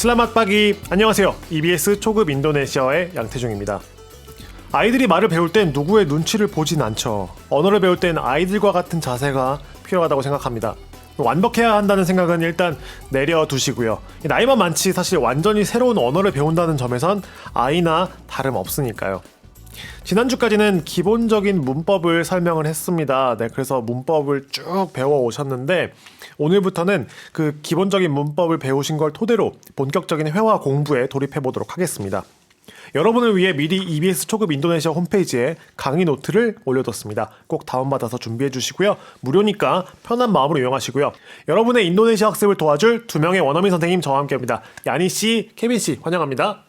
슬라맛 빠기 안녕하세요. EBS 초급 인도네시아어의 양태중입니다. 아이들이 말을 배울 땐 누구의 눈치를 보진 않죠. 언어를 배울 땐 아이들과 같은 자세가 필요하다고 생각합니다. 완벽해야 한다는 생각은 일단 내려두시고요. 나이만 많지 사실 완전히 새로운 언어를 배운다는 점에선 아이나 다름없으니까요. 지난주까지는 기본적인 문법을 설명을 했습니다. 네, 그래서 문법을 쭉 배워 오셨는데 오늘부터는 그 기본적인 문법을 배우신 걸 토대로 본격적인 회화 공부에 돌입해 보도록 하겠습니다. 여러분을 위해 미리 EBS 초급 인도네시아 홈페이지에 강의 노트를 올려뒀습니다. 꼭 다운받아서 준비해 주시고요. 무료니까 편한 마음으로 이용하시고요. 여러분의 인도네시아 학습을 도와줄 두 명의 원어민 선생님 저와 함께합니다. 야니 씨, 케빈 씨 환영합니다.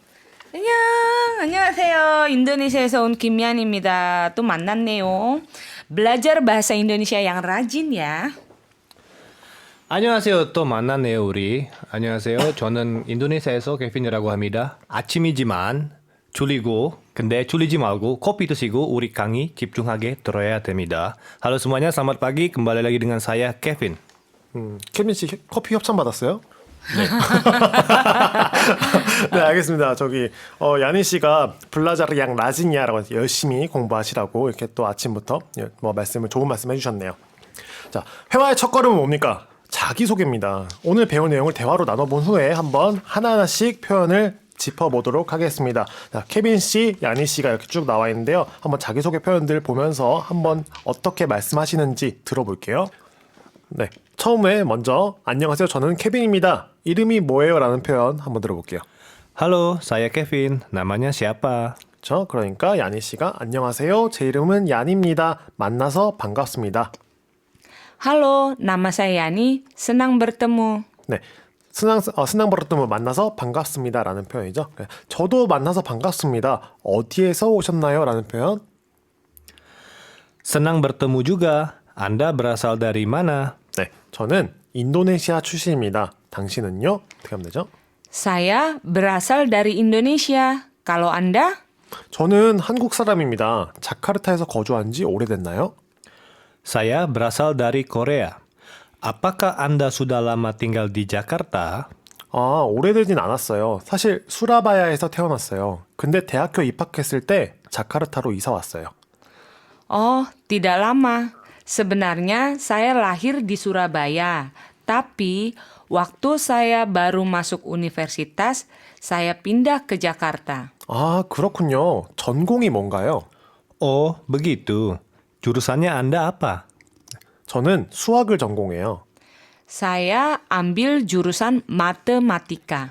안녕하세요. 인도네시아에서 온 김연입니다. 또 만났네요. Belajar bahasa Indonesia yang rajin ya. 안녕하세요. 또 만났네요, 우리. 안녕하세요. 저는 인도네시아에서 케빈이라고 합니다. 아침이지만 졸리고 근데 졸리지 말고 kopi 드시고 우리 강의 집중하게 들어야 됩니다. Halo semuanya, selamat pagi. Kembali lagi dengan saya, Kevin. 케빈 씨 커피 협찬 받았어요? 네, 알겠습니다. 저기 야니 씨가 블라자르 양 라지냐라고 해서 열심히 공부하시라고 이렇게 또 아침부터 좋은 말씀 해주셨네요. 자, 회화의 첫 걸음은 뭡니까? 자기소개입니다. 오늘 배운 내용을 대화로 나눠본 후에 한번 하나하나씩 표현을 짚어보도록 하겠습니다. 자, 케빈 씨, 야니 씨가 이렇게 쭉 나와 있는데요. 한번 자기소개 표현들 보면서 한번 어떻게 말씀하시는지 들어볼게요. 네, 처음에 먼저 안녕하세요. 저는 케빈입니다. 이름이 뭐예요? 라는 표현 한번 들어볼게요. Halo, saya Kevin. Namanya siapa? 그러니까 야니 씨가 안녕하세요. 제 이름은 얀입니다. 만나서 반갑습니다. Halo, nama saya Yani. Senang bertemu. 네, 스낭 버릇뜸을 만나서 반갑습니다. 라는 표현이죠. 저도 만나서 반갑습니다. 어디에서 오셨나요? 라는 표현. Senang bertemu juga. Anda berasal dari mana? 네, 저는 인도네시아 출신입니다. 당신은요? 어떻게 하면 되죠? Saya berasal dari Indonesia. Kalau Anda? 저는 한국 사람입니다. 자카르타에서 거주한 지 오래됐나요? Saya berasal dari Korea. Apakah Anda sudah lama tinggal di Jakarta? 오래되진 않았어요. 사실 수라바야에서 태어났어요. 근데 대학교 입학했을 때 자카르타로 이사 왔어요. Oh, tidak lama. Sebenarnya saya lahir di Surabaya. Tapi waktu saya baru masuk universitas, saya pindah ke Jakarta. 그렇군요. 전공이 뭔가요? Oh, begitu. Jurusannya Anda apa? 저는 수학을 전공해요. Saya ambil jurusan matematika.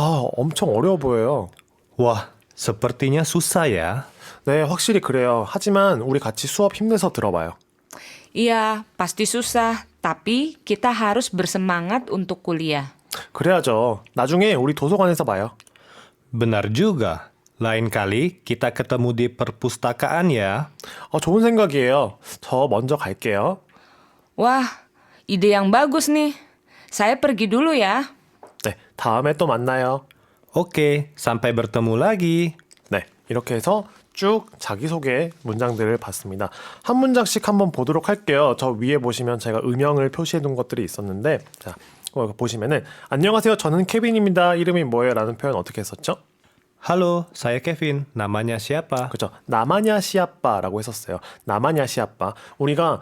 엄청 어려워 보여요. Wah, sepertinya susah ya. 네, 확실히 그래요. 하지만 우리 같이 수업 힘내서 들어봐요. Iya, pasti susah. Tapi kita harus bersemangat untuk kuliah. 그래야죠. 나중에 우리 도서관에서 봐요. Benar juga. Lain kali kita ketemu di perpustakaan ya. 좋은 생각이에요. 저 먼저 갈게요. Wah, ide yang bagus nih. Saya pergi dulu ya. 네, 다음에 또 만나요. Oke, sampai bertemu lagi. 네, 이렇게 해서 쭉 자기소개 문장들을 봤습니다. 한 문장씩 한번 보도록 할게요. 저 위에 보시면 제가 음영을 표시해 둔 것들이 있었는데 자, 보시면은 안녕하세요. 저는 케빈입니다. 이름이 뭐예요? 라는 표현 어떻게 했었죠? Halo, saya Kevin. Namanya siapa? 그렇죠. 나마냐 시아빠라고 했었어요. 나마냐 시아빠. 우리가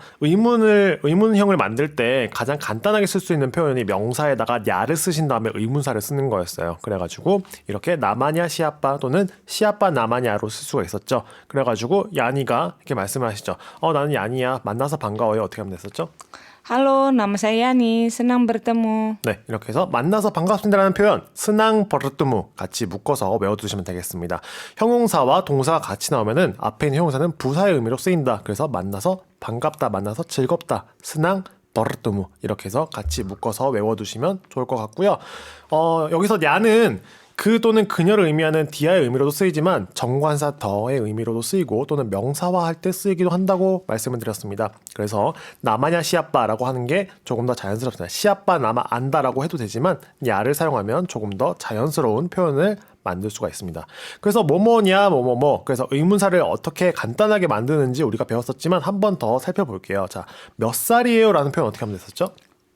의문형을 만들 때 가장 간단하게 쓸 수 있는 표현이 명사에다가 야를 쓰신 다음에 의문사를 쓰는 거였어요. 그래가지고 이렇게 나마냐 시아빠 또는 시아빠 나마냐로 쓸 수가 있었죠. 그래가지고 야니가 이렇게 말씀을 하시죠. 나는 야니야. 만나서 반가워요. 어떻게 하면 됐었죠? Halo, nama saya Yani. Senang bertemu. 네, 이렇게 해서 만나서 반갑습니다라는 표현 스낭 버르뚜무 같이 묶어서 외워두시면 되겠습니다. 형용사와 동사가 같이 나오면은 앞에 있는 형용사는 부사의 의미로 쓰인다. 그래서 만나서 반갑다, 만나서 즐겁다, 스낭 버르뚜무 이렇게 해서 같이 묶어서 외워두시면 좋을 것 같고요. 여기서 야는 그 또는 그녀를 의미하는 디아의 의미로도 쓰이지만 정관사 더의 의미로도 쓰이고 또는 명사화할 때 쓰이기도 한다고 말씀을 드렸습니다. 그래서 나마냐 시아빠라고 하는 게 조금 더 자연스럽습니다. 시아빠 나마 안다라고 해도 되지만 야를 사용하면 조금 더 자연스러운 표현을 만들 수가 있습니다. 그래서 뭐뭐냐 뭐뭐뭐 그래서 의문사를 어떻게 간단하게 만드는지 우리가 배웠었지만 한 번 더 살펴볼게요. 자, 몇 살이에요? 라는 표현 어떻게 하면 됐었죠?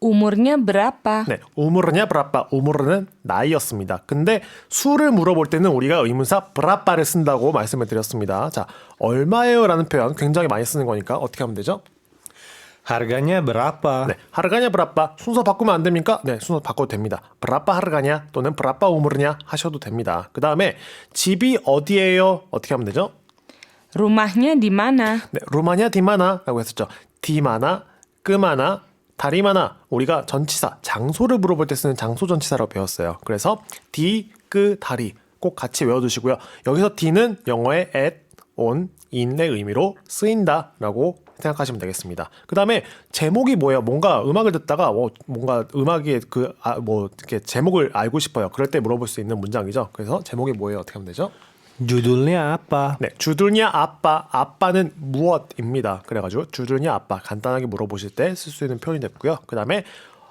Umurnya berapa? 네, 우무르냐 브라빠. 우무르는 나이였습니다. 근데 수를 물어볼 때는 우리가 의문사 브라빠를 쓴다고 말씀을 드렸습니다. 자, 얼마예요라는 표현 굉장히 많이 쓰는 거니까 어떻게 하면 되죠? Harganya berapa? 네, 하르가냐 브라빠. 순서 바꾸면 안 됩니까? 네, 순서 바꿔도 됩니다. 브라빠 하르가냐 또는 브라빠 우무르냐 하셔도 됩니다. 그 다음에 집이 어디예요? 어떻게 하면 되죠? Rumahnya di mana? 네, 루마냐 디마나라고 했었죠. 디마나, 끄마나, 다리마나. 우리가 전치사, 장소를 물어볼 때 쓰는 장소 전치사라고 배웠어요. 그래서 디, 끄, 다리 꼭 같이 외워두시고요. 여기서 디는 영어의 at, on, in의 의미로 쓰인다라고 생각하시면 되겠습니다. 그 다음에 제목이 뭐예요? 뭔가 음악을 듣다가 뭔가 음악의 이렇게 제목을 알고 싶어요. 그럴 때 물어볼 수 있는 문장이죠. 그래서 제목이 뭐예요? 어떻게 하면 되죠? Judulnya apa? 네, 주들냐 아빠, 아빠는 무엇입니다. 그래가지고 주들냐 아빠 간단하게 물어보실 때 쓸 수 있는 표현이 됐고요. 그 다음에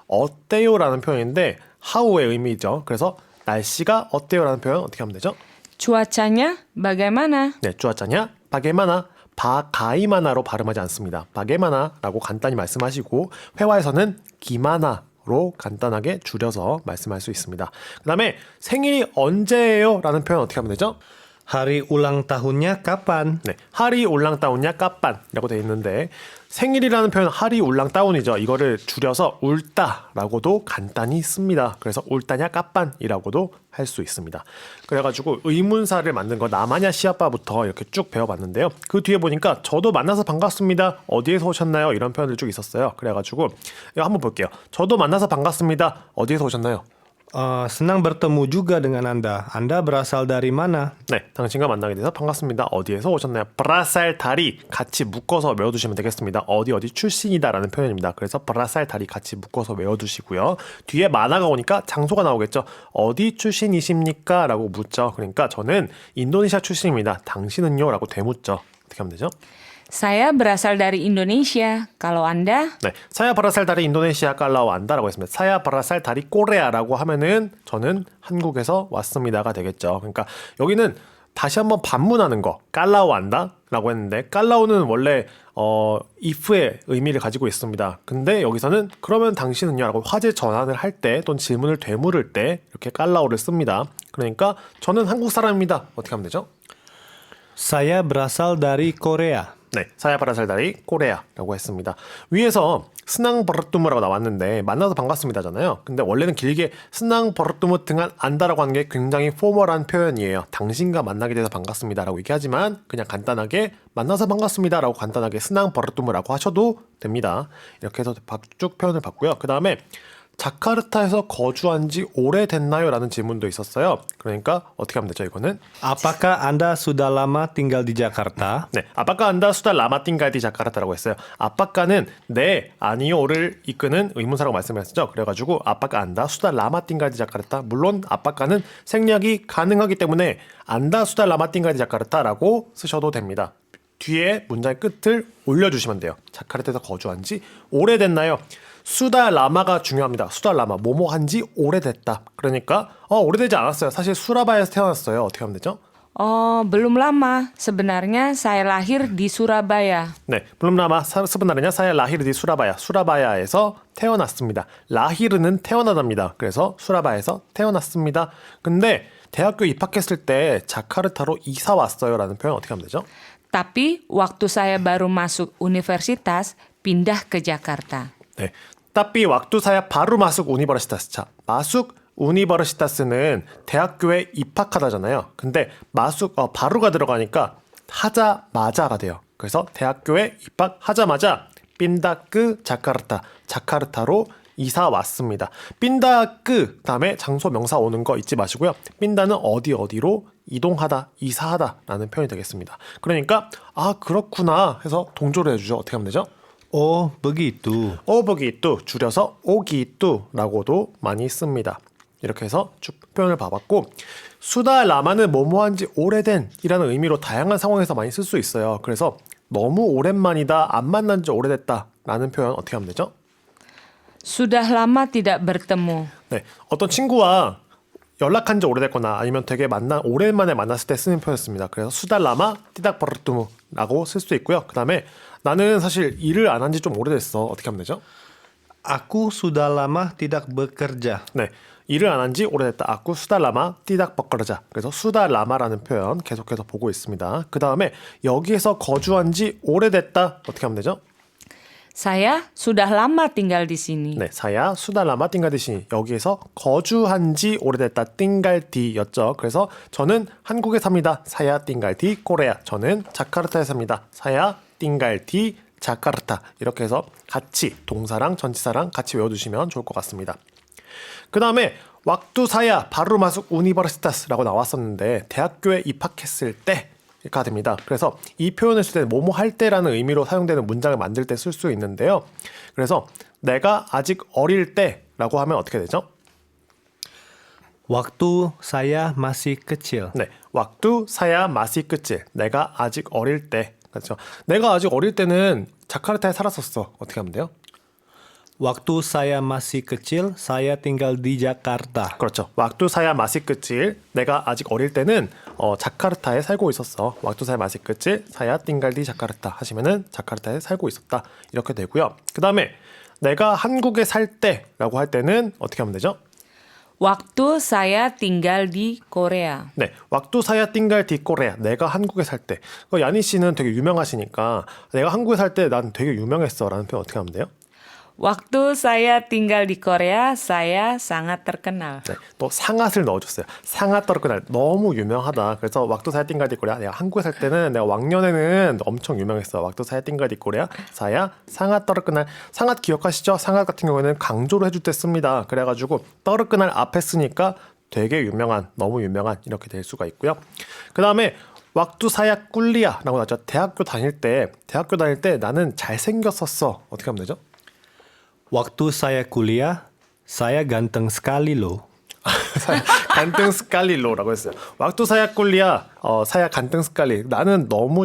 어때요라는 표현인데 how의 의미죠. 그래서 날씨가 어때요라는 표현 어떻게 하면 되죠? Cuacanya bagaimana? 네, 주아짜냐 바게마나 바가이마나로 발음하지 않습니다. 바게마나라고 간단히 말씀하시고 회화에서는 기마나로 간단하게 줄여서 말씀할 수 있습니다. 그 다음에 생일이 언제예요? 라는 표현 어떻게 하면 되죠? Hari ulang tahunnya kapan? 네, 하리 울랑따운냐 까빤이라고 되어 있는데 생일이라는 표현 하리 울랑따운이죠. 이거를 줄여서 울다라고도 간단히 씁니다. 그래서 울다냐 까빤이라고도 할 수 있습니다. 그래가지고 의문사를 만든 거 나마냐 시아빠부터 이렇게 쭉 배워봤는데요. 그 뒤에 보니까 저도 만나서 반갑습니다. 어디에서 오셨나요? 이런 표현들 쭉 있었어요. 그래가지고 이거 한번 볼게요. 저도 만나서 반갑습니다. 어디에서 오셨나요? Senang bertemu juga dengan Anda. Anda berasal dari mana? 네, 당신과 만나게 돼서 반갑습니다. 어디에서 오셨나요? 브라살 다리 같이 묶어서 외워두시면 되겠습니다. 어디 출신이다라는 표현입니다. 그래서 브라살 다리 같이 묶어서 외워두시고요. 뒤에 만화가 오니까 장소가 나오겠죠. 어디 출신이십니까? 라고 묻죠. 그러니까 저는 인도네시아 출신입니다. 당신은요? 라고 되묻죠. 어떻게 하면 되죠? Saya berasal dari Indonesia. Kalau Anda? 네, 사야 바라살 다리 인도네시아 깔라오 안다라고 했습니다. 사야 바라살 다리 꼬레아라고 하면은 저는 한국에서 왔습니다가 되겠죠. 그러니까 여기는 다시 한번 반문하는 거 깔라오 안다라고 했는데 깔라오는 원래 if의 의미를 가지고 있습니다. 근데 여기서는 그러면 당신은요라고 화제 전환을 할 때 또는 질문을 되물을 때 이렇게 깔라오를 씁니다. 그러니까 저는 한국 사람입니다. 어떻게 하면 되죠? Saya berasal dari Korea. 네, 사야바라살다리 꼬레아라고 했습니다. 위에서 스낭 버릇두무라고 나왔는데 만나서 반갑습니다잖아요. 근데 원래는 길게 스낭 버릇두무 등한 안다라고 하는 게 굉장히 포멀한 표현이에요. 당신과 만나게 돼서 반갑습니다라고 얘기하지만 그냥 간단하게 만나서 반갑습니다라고 간단하게 스낭 버릇두무라고 하셔도 됩니다. 이렇게 해서 쭉 표현을 봤고요. 그 다음에 자카르타에서 거주한 지 오래됐나요? 라는 질문도 있었어요. 그러니까 어떻게 하면 되죠, 이거는? Apakah Anda sudah lama tinggal di Jakarta? 네, 아빠가 안다 수다 라마띵가디 자카르타라고 했어요. 아빠가는 네, 아니요를 이끄는 의문사라고 말씀하셨죠. 그래가지고 아빠가 안다 수다 라마띵가디 자카르타. 물론 아빠가는 생략이 가능하기 때문에 안다 수다 라마띵가디 자카르타라고 쓰셔도 됩니다. 뒤에 문장의 끝을 올려주시면 돼요. 자카르타에서 거주한 지 오래됐나요? 수다 라마가 중요합니다. 수다 라마 뭐뭐 한지 오래됐다. 그러니까 오래되지 않았어요. 사실 수라바야에서 태어났어요. 어떻게 하면 되죠? Belum lama. Sebenarnya saya lahir di Surabaya. 네, 블룸 라마 스브나르냐 사야 라히르디 수라바야. 수라바야에서 태어났습니다. 라히르는 태어나답니다. 그래서 수라바야에서 태어났습니다. 근데 대학교 입학했을 때 자카르타로 이사 왔어요라는 표현 어떻게 하면 되죠? Tapi waktu saya baru masuk universitas, pindah ke Jakarta. 네, 따삐 왁두사야 바로 마숙 우니버시타스. 자, 마숙 우니버시타스는 대학교에 입학하다잖아요. 근데 마숙 바로가 들어가니까 하자마자가 돼요. 그래서 대학교에 입학하자마자 빈다크 자카르타, 자카르타로 이사 왔습니다. 빈다크 다음에 장소 명사 오는 거 잊지 마시고요. 빈다는 어디로 이동하다, 이사하다라는 표현이 되겠습니다. 그러니까 그렇구나 해서 동조를 해주죠. 어떻게 하면 되죠? Oh, begitu. 오버기뚜 줄여서 오기뚜라고도 많이 씁니다. 이렇게 해서 쭉 표현을 봐봤고 수다 라마는 뭐뭐한지 오래된 이라는 의미로 다양한 상황에서 많이 쓸 수 있어요. 그래서 너무 오랜만이다, 안 만난 지 오래됐다 라는 표현 어떻게 하면 되죠? Sudah lama tidak bertemu. 네, 어떤 친구와 연락한 지 오래됐거나 아니면 되게 오랜만에 만났을 때 쓰는 표현이었습니다. 그래서 수다 라마 띠닥 버르뚜무라고 쓸 수 있고요. 그 다음에 나는 사실 일을 안 한 지 좀 오래됐어. 어떻게 하면 되죠? Aku sudah lama tidak bekerja. 네, 일을 안 한 지 오래됐다. 아쿠 수달라마 띠닥 버거르자. 그래서 수달라마라는 표현 계속해서 보고 있습니다. 그 다음에 여기에서 거주한 지 오래됐다. 어떻게 하면 되죠? Saya sudah lama tinggal di sini. 네, 사야 수달라마 띵갈디시. 여기에서 거주한 지 오래됐다. 띵갈디였죠. 그래서 저는 한국에 삽니다. 사야 띵갈디 코레아. 저는 자카르타에 삽니다. 사야 띵갈디 자카르타. 이렇게 해서 같이 동사랑 전치사랑 같이 외워두시면 좋을 것 같습니다. 그 다음에 왁두사야 바루마숙 우니버시타스라고 나왔었는데 대학교에 입학했을 때가 됩니다. 그래서 이 표현을 쓸 때 뭐뭐 할 때라는 의미로 사용되는 문장을 만들 때 쓸 수 있는데요. 그래서 내가 아직 어릴 때라고 하면 어떻게 되죠? Waktu saya masih kecil. 네, 왁두사야 마시 끝일. 내가 아직 어릴 때. 그렇죠. 내가 아직 어릴 때는 자카르타에 살았었어. 어떻게 하면 돼요? Waktu saya masih kecil, saya tinggal di Jakarta. 그렇죠. 왁두사야 마시 끝일. 내가 아직 어릴 때는 자카르타에 살고 있었어. 왁두사야 마시 끝일. 사야 띵갈디 자카르타 하시면은 자카르타에 살고 있었다. 이렇게 되고요. 그 다음에 내가 한국에 살 때라고 할 때는 어떻게 하면 되죠? Waktu saya tinggal di Korea. 네, 왁두사야 띵갈 디꼬레야. 내가 한국에 살 때. 야니 씨는 되게 유명하시니까 내가 한국에 살 때 난 되게 유명했어라는 표현 어떻게 하면 돼요? Waktu saya tinggal di Korea, saya sangat terkenal. 네, 또 상앗을 넣어줬어요. 상앗 떨어그날 너무 유명하다. 그래서 왁두사야 띵갈디 코레아. 내가 한국에 살 때는 내가 왕년에는 엄청 유명했어. 왁두사야 띵갈디 코레아. 사야 상앗 떨어그날. 상앗 기억하시죠? 상앗 같은 경우에는 강조를 해줄 때 씁니다. 그래가지고 떨어그날 앞에 쓰니까 되게 유명한, 너무 유명한 이렇게 될 수가 있고요. 그 다음에 왁두사야 꿀리아라고 나왔죠. 대학교 다닐 때 나는 잘생겼었어. 어떻게 하면 되죠? Waktu saya kuliah, saya ganteng sekali loh. 간등 스칼리로라고 했어요. 왁두사야 꿀리아, 사야 간등 스칼리. 나는 너무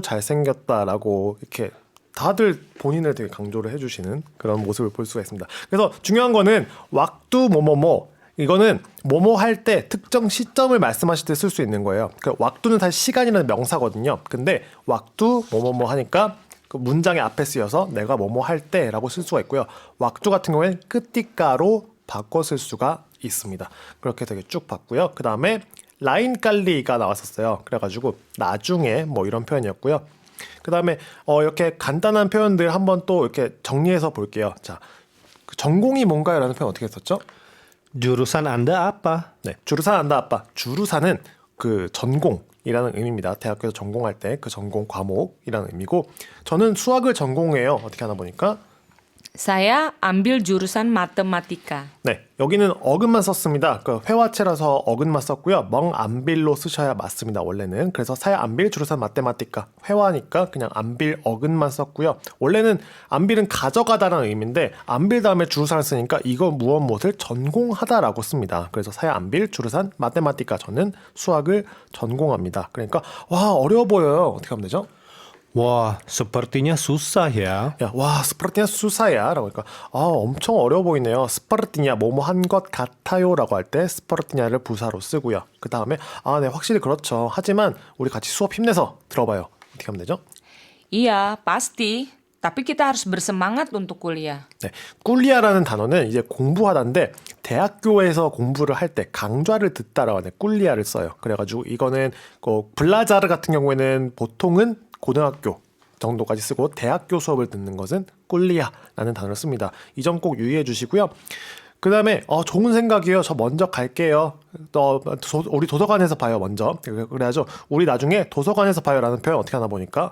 잘생겼다라고 이렇게 다들 본인을 되게 강조를 해주시는 그런 모습을 볼 수가 있습니다. 그래서 중요한 거는 왁두 뭐뭐뭐 이거는 뭐뭐 할 때 특정 시점을 말씀하실 때 쓸 수 있는 거예요. 그 왁두는 사실 시간이라는 명사거든요. 근데 왁두 뭐뭐뭐 하니까 그 문장의 앞에 쓰여서 내가 뭐뭐 할 때라고 쓸 수가 있고요. 왁두 같은 경우에는 끝띠가로 바꿔 쓸 수가 있습니다. 그렇게 되게 쭉 봤고요. 그 다음에 라인 깔리가 나왔었어요. 그래가지고 나중에 뭐 이런 표현이었고요. 그 다음에 이렇게 간단한 표현들 한번 또 이렇게 정리해서 볼게요. 자, 그 전공이 뭔가요? 라는 표현 어떻게 썼죠? Jurusan Anda apa? 네, 주루산 안다 아빠. 주루사는 그 전공이라는 의미입니다. 대학교에서 전공할 때 그 전공 과목이라는 의미고 저는 수학을 전공해요. 어떻게 하나 보니까 Saya ambil jurusan matematika. 네, 여기는 어근만 썼습니다. 그 회화체라서 어근만 썼고요. 멍 안빌로 쓰셔야 맞습니다. 원래는. 그래서 사야 안빌 주루산 마테마티카 회화니까 그냥 안빌 어근만 썼고요. 원래는 안빌은 가져가다라는 의미인데 안빌 다음에 주루산을 쓰니까 이거 무엇을 전공하다라고 씁니다. 그래서 사야 안빌 주루산 마테마티카 저는 수학을 전공합니다. 그러니까 와 어려워 보여요. 어떻게 하면 되죠? Wah, sepertinya susah ya. 야, 와, 스파르티냐 수사야 라고 하니까 엄청 어려워 보이네요. 스파르티냐 뭐뭐 한 것 같아요 라고 할 때 스파르티냐를 부사로 쓰고요. 그 다음에 네, 확실히 그렇죠. 하지만 우리 같이 수업 힘내서 들어봐요. 어떻게 하면 되죠? Iya, pasti. Tapi kita harus bersemangat untuk kuliah. 네, 꿀리아라는 단어는 이제 공부하다인데 대학교에서 공부를 할 때 강좌를 듣다라고 하는 꿀리아를 써요. 그래가지고 이거는 블라자르 같은 경우에는 보통은 고등학교 정도까지 쓰고 대학교 수업을 듣는 것은 꿀리아라는 단어를 씁니다. 이 점 꼭 유의해 주시고요. 그 다음에 좋은 생각이에요. 저 먼저 갈게요. 우리 도서관에서 봐요. 먼저. 그래야죠. 우리 나중에 도서관에서 봐요라는 표현 어떻게 하나 보니까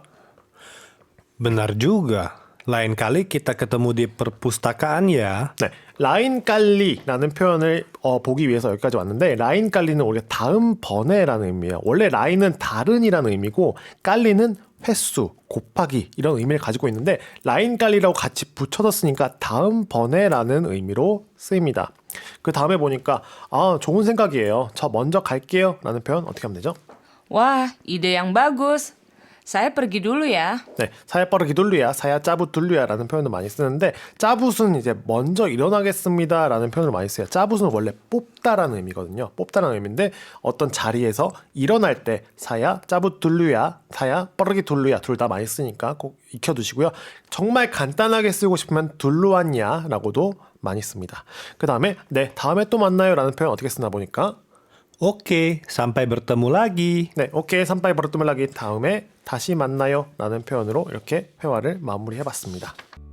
Benar juga. Lain kali kita ketemu di perpustakaan ya. 네, 라인 깔리라는 표현을 보기 위해서 여기까지 왔는데 라인 깔리는 우리가 다음번에라는 의미예요. 원래 라인은 다른이라는 의미고 깔리는 횟수, 곱하기 이런 의미를 가지고 있는데 라인 깔리라고 같이 붙여서 쓰니까 다음번에라는 의미로 쓰입니다. 그 다음에 보니까 좋은 생각이에요. 저 먼저 갈게요 라는 표현 어떻게 하면 되죠? Wah, ide yang bagus. Saya pergi dulu ya. 네, 사야 빠르기 둘루야, 사야 짜부 둘루야라는 표현을 많이 쓰는데 짜붓은 이제 먼저 일어나겠습니다라는 표현을 많이 써요. 짜붓은 원래 뽑다라는 의미거든요. 뽑다라는 의미인데 어떤 자리에서 일어날 때 사야 짜부 둘루야, 사야 빠르기 둘루야 둘 다 많이 쓰니까 꼭 익혀두시고요. 정말 간단하게 쓰고 싶으면 둘루왔냐라고도 많이 씁니다. 그 다음에 네, 다음에 또 만나요라는 표현 어떻게 쓰나 보니까 Oke, sampai bertemu lagi. 네, 오케이 산파이 버릇뚜멜라기 다음에 다시 만나요 라는 표현으로 이렇게 회화를 마무리해봤습니다.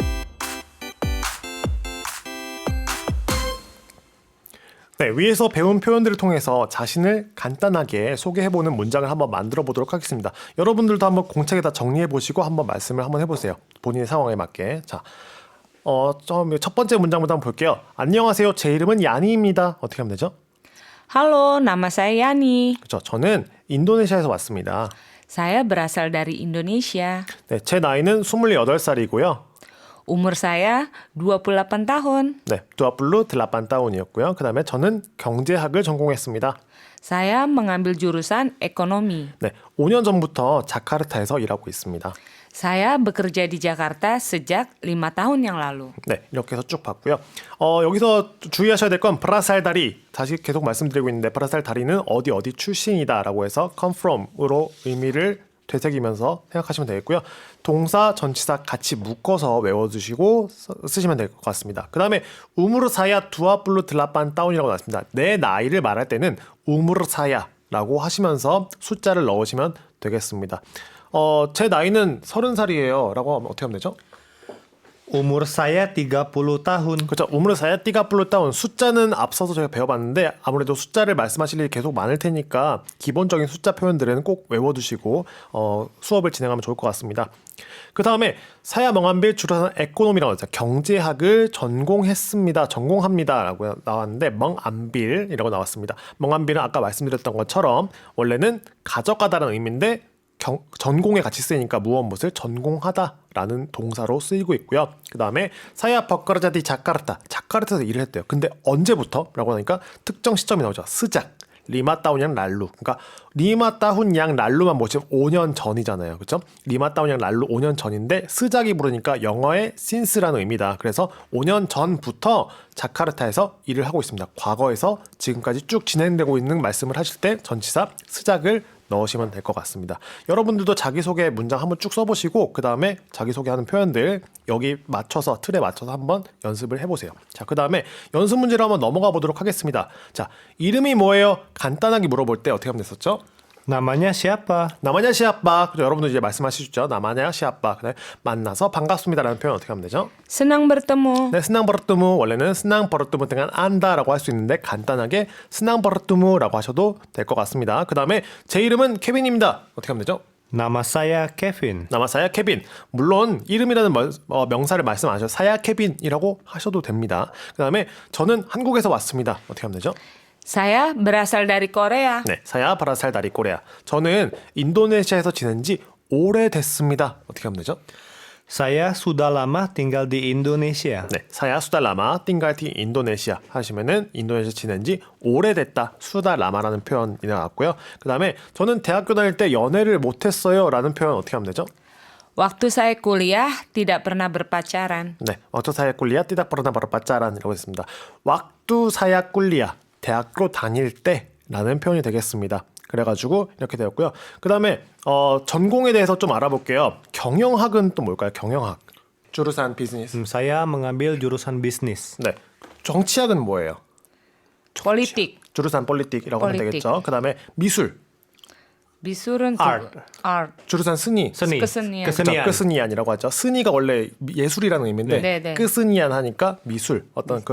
네, 위에서 배운 표현들을 통해서 자신을 간단하게 소개해보는 문장을 한번 만들어 보도록 하겠습니다. 여러분들도 한번 공책에다 정리해보시고 한번 말씀을 한번 해보세요. 본인의 상황에 맞게. 자, 첫 번째 문장부터 한번 볼게요. 안녕하세요. 제 이름은 야니입니다. 어떻게 하면 되죠? Halo, nama saya Yani. 그렇죠. 저는 인도네시아에서 왔습니다. Saya berasal dari Indonesia. 네, 제 나이는 28살이고요. Umur saya 28 tahun. 네, 두아플루 들라판타운이었고요. 그 다음에 저는 경제학을 전공했습니다. Saya mengambil jurusan ekonomi. 네, 5년 전부터 자카르타에서 일하고 있습니다. Saya bekerja di Jakarta sejak 5 tahun yang lalu. 네, 이렇게 해서 쭉 봤고요. 여기서 주의하셔야 될 건 브라살다리, 다시 계속 말씀드리고 있는데 브라살다리는 어디 출신이다라고 해서 come from으로 의미를 되새기면서 생각하시면 되겠고요. 동사, 전치사 같이 묶어서 외워두시고 쓰시면 될 것 같습니다. 그 다음에 우무르사야 두아플루 들라판 다운이라고 나왔습니다. 내 나이를 말할 때는 우무르사야라고 하시면서 숫자를 넣으시면 되겠습니다. 제 나이는 30살이에요 라고 하면 어떻게 하면 되죠? Umur saya 30 tahun. 그렇죠. 우무르사야 띠가플루 다운 숫자는 앞서서 저희가 배워봤는데 아무래도 숫자를 말씀하실 일이 계속 많을 테니까 기본적인 숫자 표현들은 꼭 외워두시고 수업을 진행하면 좋을 것 같습니다. 그 다음에 사야 멍한빌 주로사는 에코노미라고 하죠. 경제학을 전공했습니다. 전공합니다 라고 나왔는데 멍안빌이라고 나왔습니다. 멍안빌은 아까 말씀드렸던 것처럼 원래는 가져가다라는 의미인데 전공에 같이 쓰이니까 무엇을 전공하다라는 동사로 쓰이고 있고요. 그 다음에 사야 버커르자디 자카르타에서 일을 했대요. 근데 언제부터? 라고 하니까 특정 시점이 나오죠. 스작 리마다운양 랄루. 그러니까 리마다운양 랄루만 보시면 5년 전이잖아요. 그렇죠? 리마다운양 랄루 5년 전인데 스작이 부르니까 영어의 since라는 의미다. 그래서 5년 전부터 자카르타에서 일을 하고 있습니다. 과거에서 지금까지 쭉 진행되고 있는 말씀을 하실 때 전치사 스작을 넣으시면 될 것 같습니다. 여러분들도 자기소개 문장 한번 쭉 써보시고 그 다음에 자기소개하는 표현들 여기 맞춰서 틀에 맞춰서 한번 연습을 해보세요. 자, 그 다음에 연습 문제로 한번 넘어가 보도록 하겠습니다. 자, 이름이 뭐예요? 간단하게 물어볼 때 어떻게 하면 됐었죠? Namanya siapa? 나마냐 시아빠. 그죠? 여러분도 이제 말씀하시죠. 나마냐 시아빠. 그다음에 만나서 반갑습니다라는 표현 어떻게 하면 되죠? Senang bertemu. 네, 스낭 버릇뚜무 원래는 스낭 버릇뚜무 등한 안다라고 할 수 있는데 간단하게 스낭 버릇뚜무라고 하셔도 될 것 같습니다. 그 다음에 제 이름은 케빈입니다. 어떻게 하면 되죠? Nama saya Kevin. 나마사야 케빈. 물론 이름이라는 명사를 말씀 안 하셔도 사야 케빈이라고 하셔도 됩니다. 그 다음에 저는 한국에서 왔습니다. 어떻게 하면 되죠? Saya berasal dari Korea. 네, 사야 바라살 다리 꼬레아. 저는 인도네시아에서 지낸 지 오래됐습니다. 어떻게 하면 되죠? Saya sudah lama tinggal di Indonesia. 네, 사야 수달라마 띵갈티 인도네시아 하시면은 인도네시아 지낸 지 오래됐다 수달라마라는 표현이 나왔고요. 그 다음에 저는 대학교 다닐 때 연애를 못했어요라는 표현 어떻게 하면 되죠? Waktu saya kuliah tidak pernah berpacaran. 네, 왁두 사야 꿀리아 띠닥 버르나 바로 빠짜란이라고 했습니다. 왁두 사야 꿀리아 대학교 다닐 때라는 표현이 되겠습니다. 그래가지고 이렇게 되었고요. 그 다음에 전공에 대해서 좀 알아볼게요. 경영학은 또 뭘까요? 경영학. 주르산 비즈니스. Saya mengambil jurusan bisnis. 네. 정치학은 뭐예요? Politik. 주르산 폴리틱이라고 하면 폴리틱. 되겠죠. 그 다음에 미술. Bisurun Art. Art. 주르산 스니. Seni. Kesenian. Kesenian. 끄스니안이라고 하죠. 스니가 원래 예술이라는 의미인데 네, 네. 끄스니안 하니까 미술 어떤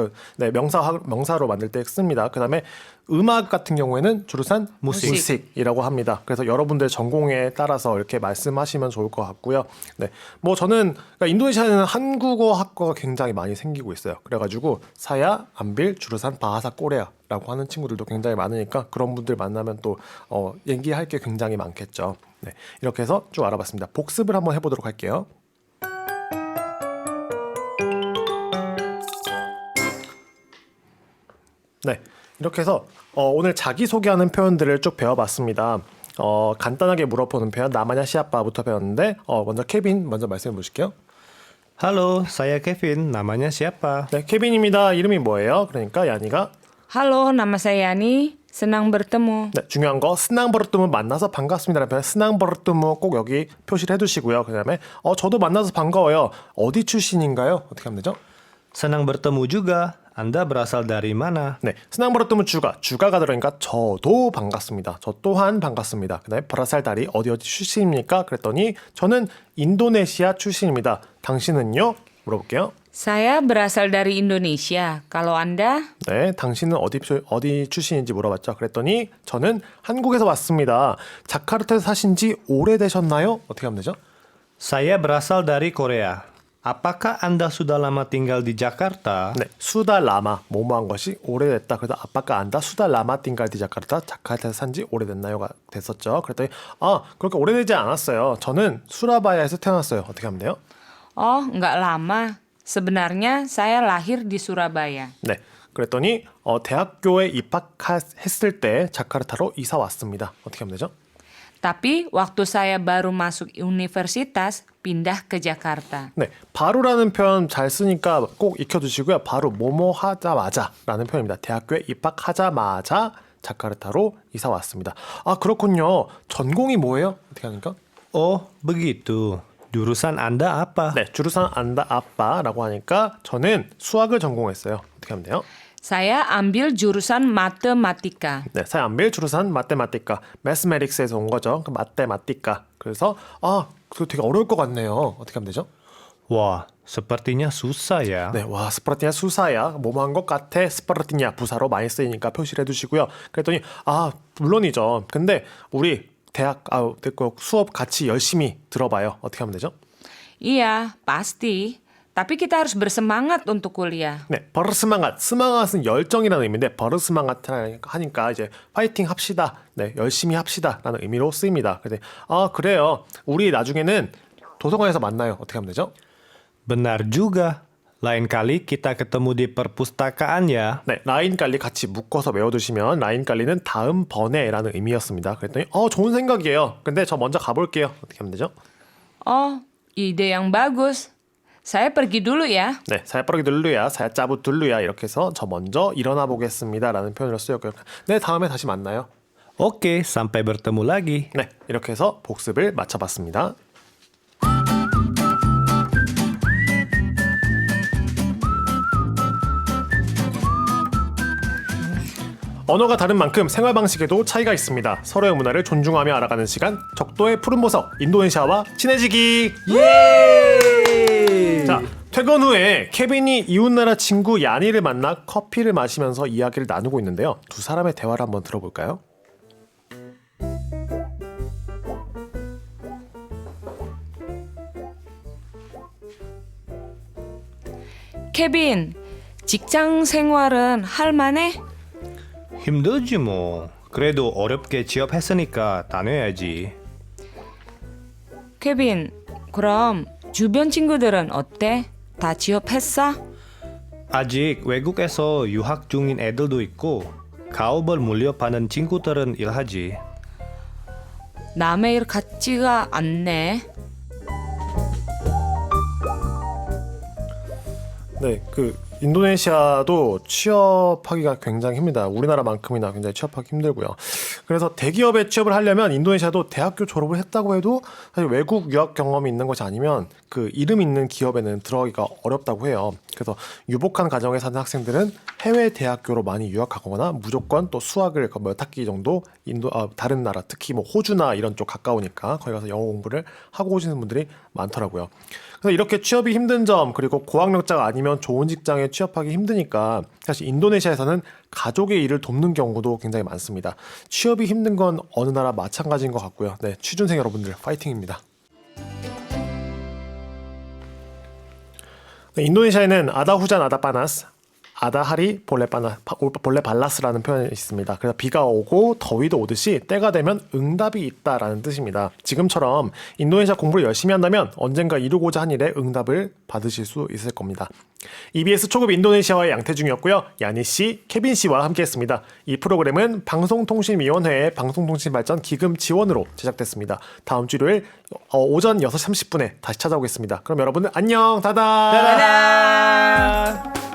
명사로 만들 때 씁니다. 그다음에 음악 같은 경우에는 주르산 무식이라고 합니다. 그래서 여러분들 전공에 따라서 이렇게 말씀하시면 좋을 것 같고요. 네, 뭐 저는 그러니까 인도네시아는 한국어 학과가 굉장히 많이 생기고 있어요. 그래가지고 사야, 안빌, 주르산, 바하사, 꼬레아라고 하는 친구들도 굉장히 많으니까 그런 분들 만나면 또 얘기할 게 굉장히 많겠죠. 네, 이렇게 해서 쭉 알아봤습니다. 복습을 한번 해보도록 할게요. 네, 이렇게 해서 오늘 자기소개하는 표현들을 쭉 배워봤습니다. 간단하게 물어보는 표현 나마냐 시아빠부터 배웠는데 먼저 케빈 먼저 말씀해 보실게요. Halo, saya Kevin. Namanya siapa? 네, 케빈입니다. 이름이 뭐예요? 그러니까 야니가 Halo, nama saya Yani. Senang bertemu. 네, 중요한 거 스낭버르뚜무 만나서 반갑습니다라는 표현 스낭버르뚜무 꼭 여기 표시를 해두시고요. 그다음에 저도 만나서 반가워요. 어디 출신인가요? 어떻게 하면 되죠? Senang bertemu juga. Anda berasal dari mana? 네, 스낭버르뚜무 주가가 들어가니까 저도 반갑습니다. 저 또한 반갑습니다. 그다음에 브라살다리 어디 출신입니까? 그랬더니 저는 인도네시아 출신입니다. 당신은요? 물어볼게요. Saya berasal dari Indonesia. Kalau Anda? 네, 당신은 어디 출신인지 물어봤죠. 그랬더니 저는 한국에서 왔습니다. 자카르타에서 사신 지 오래되셨나요? 어떻게 하면 되죠? Saya berasal dari Korea. Apakah Anda sudah lama tinggal di Jakarta? 네, 수다 라마 뭐뭐한 것이 오래됐다. 그래서 아빠가 안다 수다 라마 띵갈디 자카르타에서 산 지 오래됐나요가 됐었죠. 그랬더니 그렇게 오래되지 않았어요. 저는 수라바야에서 태어났어요. 어떻게 하면 돼요? Oh, nggak lama. Sebenarnya saya lahir di Surabaya. 네, 그랬더니 대학교에 입학했을 때 자카르타로 이사 왔습니다. 어떻게 하면 되죠? Tapi waktu saya baru masuk universitas, pindah ke Jakarta. 네, 바로라는 표현 잘 쓰니까 꼭 익혀두시고요. 바로 뭐뭐 하자마자라는 표현입니다. 대학교에 입학하자마자 자카르타로 이사 왔습니다. 그렇군요. 전공이 뭐예요? 어떻게 하니까? Oh, begitu. Jurusan Anda apa? 네, 주루산 안다 아빠라고 하니까 저는 수학을 전공했어요. 어떻게 하면 돼요? Saya ambil jurusan matematika. 네, 사암빌 주루산 마테마티카, 매스메릭스에서 온 거죠. 그 마테마티카. 그래서 그거 되게 어려울 것 같네요. 어떻게 하면 되죠? Wah, sepertinya susah ya. 네, 와 스파르티냐 수사야 뭐뭐한 것 같아 스파르티냐 부사로 많이 쓰이니까 표시를 해두시고요. 그랬더니 물론이죠. 근데 우리 대학 됐고 수업 같이 열심히 들어봐요. 어떻게 하면 되죠? Iya, pasti. Tapi kita harus bersemangat untuk kuliah. 네, 버르스망앗. 스망앗은 열정이라는 의미인데 버르스망앗 하니까 이제 파이팅 합시다. 네, 열심히 합시다라는 의미로 쓰입니다. 그래서 그래요. 우리 나중에는 도서관에서 만나요. 어떻게 하면 되죠? Benar juga. Lain kali kita ketemu di perpustakaan ya. 네, 라인 깔리 같이 묶어서 외워두시면 라인 깔리는 다음번에라는 의미였습니다. 그랬더니 좋은 생각이에요. 근데 저 먼저 가볼게요. 어떻게 하면 되죠? Oh, ide yang bagus. Saya pergi dulu ya. 네, 사야빠르기 둘루야, 사야짜부 둘루야 이렇게 해서 저 먼저 일어나 보겠습니다라는 표현으로 쓰였고요. 네, 다음에 다시 만나요. Oke, sampai bertemu lagi. 네, 이렇게 해서 복습을 마쳐봤습니다. 언어가 다른 만큼 생활 방식에도 차이가 있습니다. 서로의 문화를 존중하며 알아가는 시간, 적도의 푸른 보석, 인도네시아와 친해지기. 예! 자, 퇴근 후에 케빈이 이웃나라 친구 야니를 만나 커피를 마시면서 이야기를 나누고 있는데요. 두 사람의 대화를 한번 들어볼까요? 케빈, 직장 생활은 할만해? 힘들지 뭐. 그래도 어렵게 취업했으니까 다녀야지. 케빈, 그럼 주변 친구들은 어때? 다 취업했어? 아직 외국에서 유학 중인 애들도 있고 가업을 물려받는 친구들은 일하지. 남의 일 같지가 않네. 네, 인도네시아도 취업하기가 굉장히 힘듭니다. 우리나라만큼이나 굉장히 취업하기 힘들고요. 그래서 대기업에 취업을 하려면 인도네시아도 대학교 졸업을 했다고 해도 사실 외국 유학 경험이 있는 것이 아니면 그 이름 있는 기업에는 들어가기가 어렵다고 해요. 그래서 유복한 가정에 사는 학생들은 해외 대학교로 많이 유학하거나 무조건 또 수학을 몇 학기 정도 다른 나라 특히 뭐 호주나 이런 쪽 가까우니까 거기 가서 영어 공부를 하고 오시는 분들이 많더라고요. 그래서 이렇게 취업이 힘든 점 그리고 고학력자가 아니면 좋은 직장에 취업하기 힘드니까 사실 인도네시아에서는 가족의 일을 돕는 경우도 굉장히 많습니다. 취업이 힘든 건 어느 나라 마찬가지인 것 같고요. 네, 취준생 여러분들 파이팅입니다. 네, 인도네시아에는 아다후잔 아다파나스 아다하리 볼레 발라스라는 표현이 있습니다. 그래서 비가 오고 더위도 오듯이 때가 되면 응답이 있다라는 뜻입니다. 지금처럼 인도네시아 공부를 열심히 한다면 언젠가 이루고자 한 일에 응답을 받으실 수 있을 겁니다. EBS 초급 인도네시아와의 양태중이었고요. 야니 씨, 케빈 씨와 함께했습니다. 이 프로그램은 방송통신위원회의 방송통신발전 기금 지원으로 제작됐습니다. 다음 주 일요일 오전 6시 30분에 다시 찾아오겠습니다. 그럼 여러분들 안녕, 다다. 다다.